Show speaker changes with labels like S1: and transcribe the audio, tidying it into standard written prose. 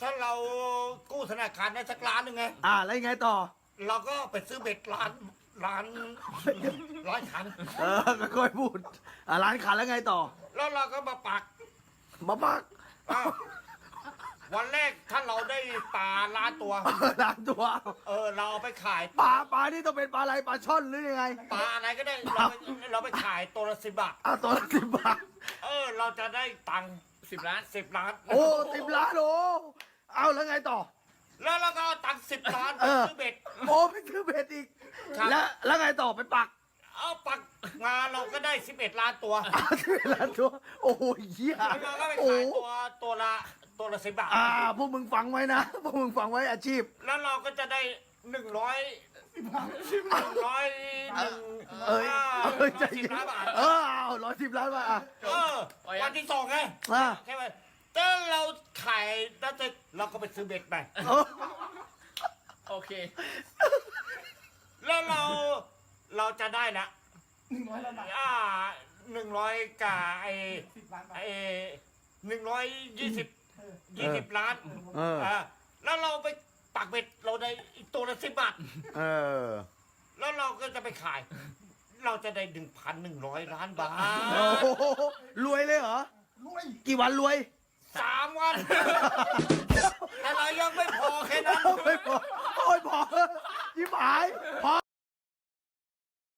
S1: ถ้าเรากู้ธนาคารได้สักล้านหนึ่งไง
S2: แล้วยังไงต่อ
S1: เราก็ไปซื้อเบ็ดร้านขัน
S2: ค่อยๆพูดร้านขายแล้วไงต่อ
S1: แล้วเราก็มาปัก
S2: มาปัก
S1: อ้าววันแรกถ้าเราได้ปลาล้านตัว
S2: ร้านตัว
S1: เราเอาไปขาย
S2: ปลานี่ต้องเป็นปลาอะไรปลาช่อนหรือยังไง
S1: ปลาอะไรก็ได้เราไปขายตัวละ10 บาท
S2: ตัวละ10 บาท
S1: เราจะได้ตังค์
S3: 10 ล้าน
S1: 10 ล้าน
S2: โอ้10 ล้านโอ้เอาแล้วไงต่อ
S1: แล้วเราก็เอาตังค์10 ล้านไปซื้อเบ็ด
S2: โอ้ไปซื้อเบ็ดอีก
S1: ครับ
S2: แล้วไงต่อไปปัก
S1: เอาปักมาเราก็ได้11 ล้านตัว
S2: 11 ล้านตัวโอ้ยเหี้ย
S1: แล้วเราก็ไป
S2: โอ้
S1: ขายตัวละ10 บาท
S2: พวกมึงฟังไว้นะพวกมึงฟังไว้อาชีพ
S1: แล้วเราก็จะได้
S2: ใจ
S1: 10
S2: เย็น
S1: ล้านบาท
S2: เอา110 ล้านบาท
S1: วันที่2ไงใช่ไหมถ้าเราขายแล้วเราก็ไปซื้อเบ็ดไป
S3: โอเค
S1: แล้วเราจะได้ละ100 ล้านบาท100กับ120 ล้านแล้วเราไปปักเบ็ดเราได้อีกตัวละ10 บาทแล้วเราก็จะไปขาย เราจะได้ 1,100 ล้านบาท
S2: โอ้โหรวยเลยเหรอ
S4: รวย
S2: กี่วันรวย
S1: 3 วันแต่เรายังไม่พอแค่นั้น
S2: ไม่พอโอ้ยพอยิ้มหายพอ